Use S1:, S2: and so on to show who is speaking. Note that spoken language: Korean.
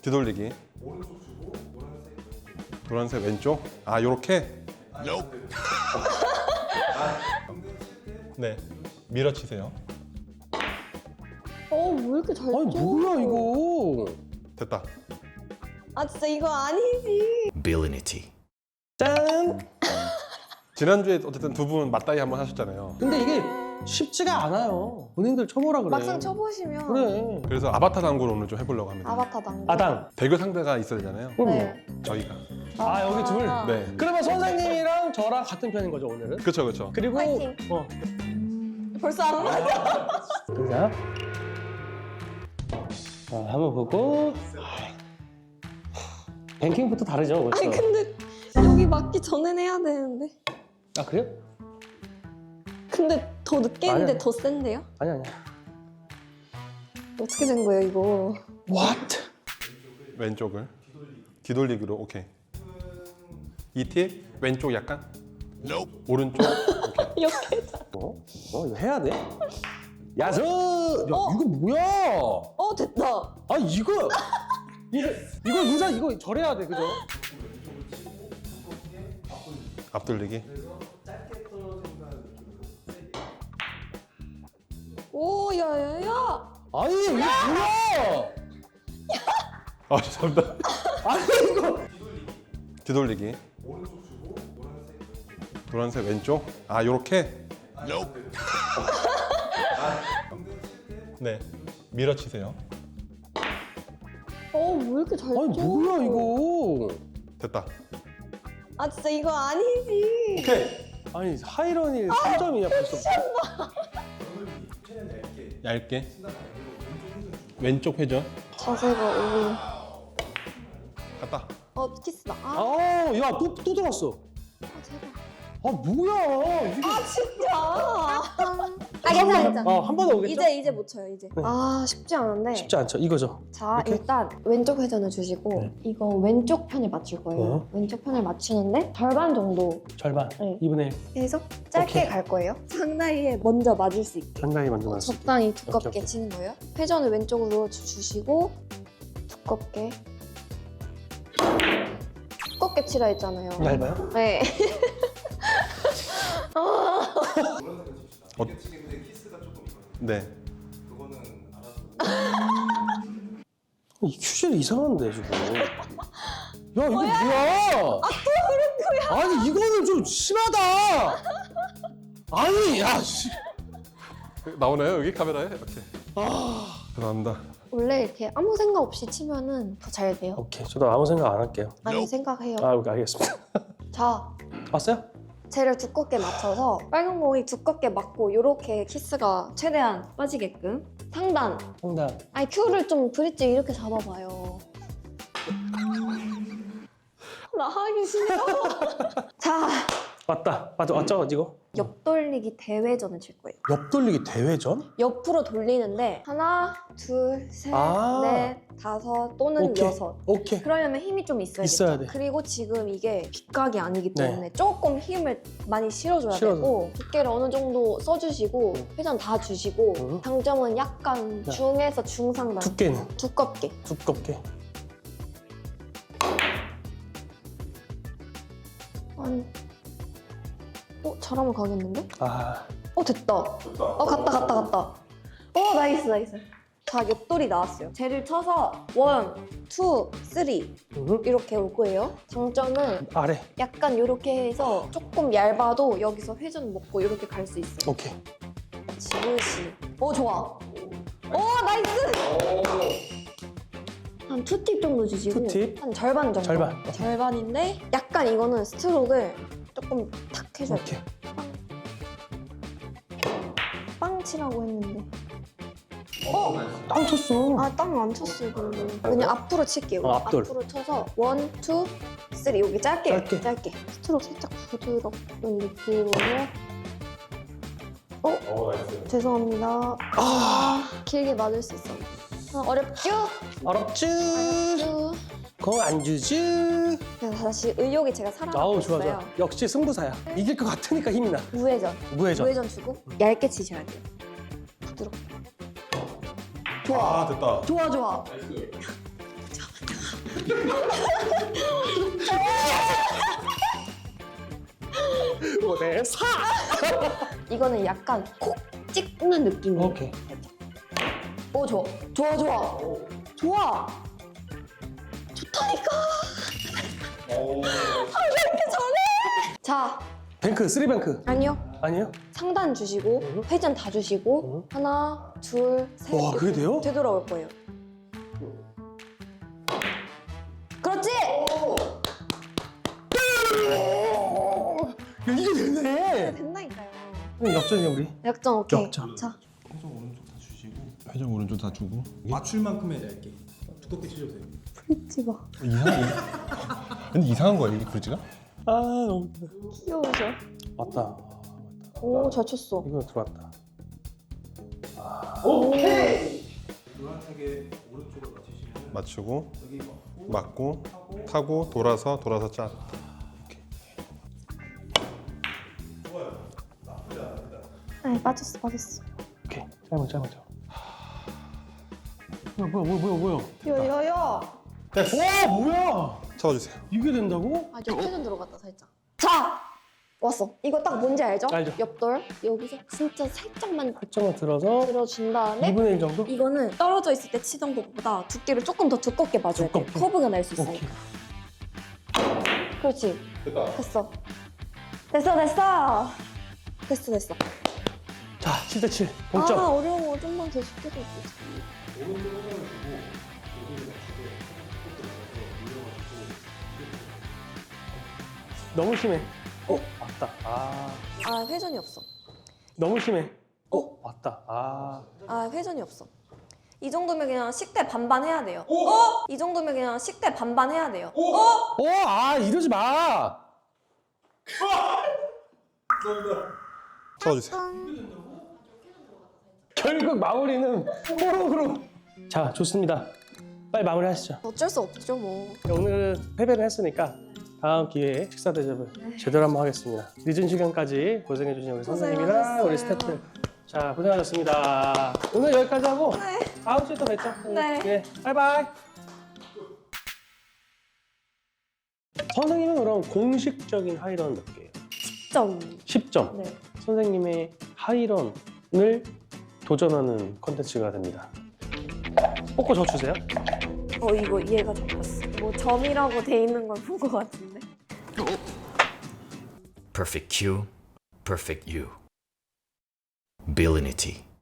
S1: 뒤돌리기.
S2: 오른쪽 주고
S1: 노란색 왼쪽. 아, 요렇게. 네. 밀어치세요.
S3: 왜 이렇게 잘 쳐?
S4: 아니 뭐야 이거.
S1: 됐다.
S3: 아 진짜 이거 아니지.
S5: Ability.
S4: 짠.
S1: 지난주에 어쨌든 두 분 맞다이 한번 하셨잖아요.
S4: 근데 이게 쉽지가 않아요. 본인들 쳐보라 그래.
S3: 막상 쳐보시면
S4: 그래.
S1: 그래서 아바타 당구를 오늘 좀 해보려고 합니다.
S3: 아바타 당구.
S4: 아당.
S1: 대결 상대가 있어야 되잖아요.
S4: 그럼요.
S3: 네.
S1: 저희가.
S4: 아 여기 둘.
S1: 네.
S4: 그러면 선생님이랑 저랑 같은 편인 거죠 오늘은?
S1: 그쵸, 그쵸.
S4: 그리고
S3: 파이팅. 벌써 안 맞아.
S4: 자, 한번 보고. 뱅킹부터 다르죠, 그렇죠?
S3: 아니 근데 여기 맞기 전엔 해야 되는데.
S4: 아 그래요?
S3: 근데 더 늦게 했는데
S4: 아니야.
S3: 더 센데요?
S4: 아니야.
S3: 어떻게 된 거예요 이거?
S4: What?
S1: 왼쪽을. 뒤돌리기로, 오케이. 이 팁, 왼쪽 약간. 오른쪽. 오케이.
S3: 이렇게.
S4: 이거 해야 돼? 야수! 야, 이거 뭐야?
S3: 됐다.
S4: 아 이거 인사 이거 절해야 돼, 그죠?
S1: 앞돌리기.
S3: 오 야야야.
S4: 아니 이거 뭐야?
S1: 아, 죄송합니다.
S4: 아니 이거
S1: 뒤돌리기.
S2: 오른쪽 주고
S1: 노란색 왼쪽. 아, 요렇게. 네. 밀어치세요.
S3: 왜 이렇게 잘 쳐?
S4: 아니 뭐야 이거?
S1: 됐다.
S3: 아 진짜 이거 아니지.
S1: 오케이.
S4: 아니 하이런이 3점이냐 벌써?
S1: 얇게. 왼쪽 회전.
S3: 자세가 오늘.
S1: 갔다.
S3: 키스다.
S4: 야또 들어왔어.
S3: 제발.
S4: 아 뭐야 이게?
S3: 진짜. 괜찮아.
S4: 한 번 더 오겠죠?
S3: 이제 못 쳐요 이제.
S4: 네.
S3: 쉽지 않은데.
S4: 쉽지 않죠 이거죠.
S3: 자
S4: 이렇게?
S3: 일단 왼쪽 회전을 주시고
S4: 네.
S3: 이거 왼쪽 편에 맞출 거예요. 왼쪽 편을 맞추는데 절반 정도
S4: 절반.
S3: 네.
S4: 2분의 1.
S3: 해서 짧게
S4: 오케이.
S3: 갈 거예요. 상당히에 먼저 맞을 수 있게.
S4: 상당히 먼저 나왔어.
S3: 적당히 두껍게
S4: 오케이.
S3: 치는 거예요. 회전을 왼쪽으로 주시고 두껍게 두껍게 치라 했잖아요.
S4: 얇아요?
S3: 네.
S2: 노란색을 칩시다.
S1: 어.
S2: 이게 치는데 키스가 조금 있거든요.
S1: 네.
S2: 그거는 알아서.
S4: 이 큐젤 이상한데 지금. 야 이거 뭐야? 또 그런 거야? 아니 이거는 좀 심하다. 아니 야 씨.
S1: 나오나요? 여기 카메라에? 이렇게. 죄송합니다.
S3: 원래 이렇게 아무 생각 없이 치면은 더 잘 돼요.
S4: 오케이 저도 아무 생각 안 할게요.
S3: 많이 생각해요.
S4: 오케이 알겠습니다.
S3: 자,
S4: 왔어요?
S3: 쟤를 두껍게 맞춰서 빨간 공이 두껍게 맞고 이렇게 키스가 최대한 빠지게끔 상단.
S4: 상담.
S3: 아니 큐를 좀 브릿지 이렇게 잡아봐요. 나 하기 싫어. 자,
S4: 왔죠 이거?
S3: 옆돌리기 대회전을 칠 거예요.
S4: 옆 돌리기 대회전?
S3: 옆으로 돌리는데 하나, 둘, 셋,
S4: 아.
S3: 넷, 다섯 또는
S4: 오케이.
S3: 여섯.
S4: 오케이.
S3: 그러려면 힘이 좀 있어야겠죠.
S4: 있어야 돼.
S3: 그리고 지금 이게 빗각이 아니기
S4: 네.
S3: 때문에 조금 힘을 많이 실어줘야
S4: 실어줘.
S3: 되고 두께를 어느 정도 써주시고 회전 다 주시고
S4: 응.
S3: 당점은 약간
S4: 네.
S3: 중에서 중상단
S4: 두께는
S3: 두껍게.
S4: 두껍게.
S3: 아니, 잘하면 가겠는데?
S4: 아
S3: 됐다. 갔다. 나이스. 자, 옆돌이 나왔어요. 쟤를 쳐서 1, 2, 3 이렇게 올 거예요. 장점은
S4: 아래.
S3: 약간 이렇게 해서 조금 얇아도 여기서 회전 먹고 이렇게 갈 수 있어요.
S4: 오케이.
S3: 지그시. 좋아. 나이스! 한 2팁 정도 주시고
S4: 2팁?
S3: 한 절반 정도.
S4: 절반.
S3: 절반인데 약간 이거는 스트로크를 조금 탁 해줘야
S4: 오케이.
S3: 돼. 빵 치라고 했는데.
S4: 땅 쳤어.
S3: 땅 안 쳤어요, 별로. 그냥 앞으로 칠게요.
S4: 앞돌.
S3: 앞으로 쳐서 1, 2, 3 여기 짧게.
S4: 짧게.
S3: 스트로크 살짝 부드럽은 느낌으로. 죄송합니다. 길게 맞을 수 있어. 어렵죠?
S4: 어렵지.
S3: 쭉.
S4: 거 안 주지.
S3: 그냥 다시 의욕이 제가 살아나고
S4: 아우
S3: 있어요.
S4: 좋아. 역시 승부사야. 이길 것 같으니까 힘이 나.
S3: 무회전.
S4: 무회전.
S3: 무회전 주고 얇게 치셔야 돼요. 부드럽게. 좋아.
S1: 됐다.
S3: 좋아.
S4: 오대 4.
S3: 이거는 약간 콕 찍는 느낌이에요.
S4: 오케이.
S3: 오 좋아. 좋아 좋아. 좋아. 좋다니까. 이렇게 잘해. 자
S4: 뱅크 3뱅크
S3: 아니요.
S4: 아니에요?
S3: 상단 주시고 회전 다 주시고 하나 둘 셋.
S4: 와, 그게 돼요?
S3: 되돌아올 거예요. 그렇지.
S4: 야, 이게 되네.
S3: 된다니까요.
S4: 역전이야 우리.
S3: 역전 오케이.
S4: 역전.
S3: 자
S2: 회전 오른쪽 다 주시고
S1: 회전 오른쪽 다 주고.
S2: 맞출 만큼의 얇게 두껍게 치셔도 돼요.
S3: 프리티 봐.
S1: 이상해. 근데 이상한 거야 이게 그지가?
S4: 아 너무
S3: 귀여우셔.
S4: 맞다.
S3: 오 잘 쳤어.
S4: 이거 들어왔다.
S2: 노란색의 오른쪽을 맞추시면
S1: 맞추고
S2: 여기
S1: 맞고 타고 돌아서 짜.
S3: 아 빠졌어 빠졌어.
S4: 오케이. 짧아. 뭐야?
S3: 야야야.
S4: 와 뭐야?
S1: 잡아주세요.
S4: 이게 된다고?
S3: 아 옆회전 들어갔다 살짝. 자 왔어. 이거 딱 뭔지 알죠?
S4: 알죠.
S3: 옆돌 여기서 진짜 살짝만
S4: 살짝만 들어서
S3: 들어준 다음에
S4: 2분의 1 정도?
S3: 이거는 떨어져 있을 때 치던 것보다 두께를 조금 더 두껍게 봐줘야 돼.
S4: 두껍게?
S3: 커브가 날 수
S4: 오케이.
S3: 있으니까. 그렇지.
S2: 됐다.
S3: 됐어. 됐어.
S4: 자 7대7 동점.
S3: 아 어려워. 좀만 더 쉽게 될 수 있어.
S2: 오른쪽 회전을 주고 여기를 맞추고 또 들어가서 밀려가지고
S4: 너무 심해. 맞다.
S3: 아 회전이 없어.
S4: 너무 심해. 맞다.
S3: 아 회전이 없어. 이 정도면 그냥 식대 반반 해야 돼요. 이 정도면 그냥 식대 반반 해야 돼요.
S4: 이러지 마.
S1: 잡아주세요.
S4: 결국 마무리는 호록으로. 자, 좋습니다. 빨리 마무리하시죠.
S3: 어쩔 수 없죠 뭐.
S4: 오늘은 패배를 했으니까 다음 기회에 식사 대접을 제대로 한번 하겠습니다. 늦은 시간까지 고생해주신 우리 선생님이랑
S3: 고생하셨어요.
S4: 우리 스태프들. 자, 고생하셨습니다. 오늘 여기까지 하고
S3: 네.
S4: 다음 주에 또 뵙죠.
S3: 네.
S4: 바이바이. 선생님은 그럼 공식적인 하이런 몇 개예요?
S3: 10점.
S4: 10점.
S3: 네.
S4: 선생님의 하이런을 도전하는 컨텐츠가 됩니다. 뽑고 저 주세요.
S3: 이거 이해가 잡혔어. 뭐 점이라고 돼 있는 걸 본 것 같은데.
S5: Perfect Q, perfect you. Billinity.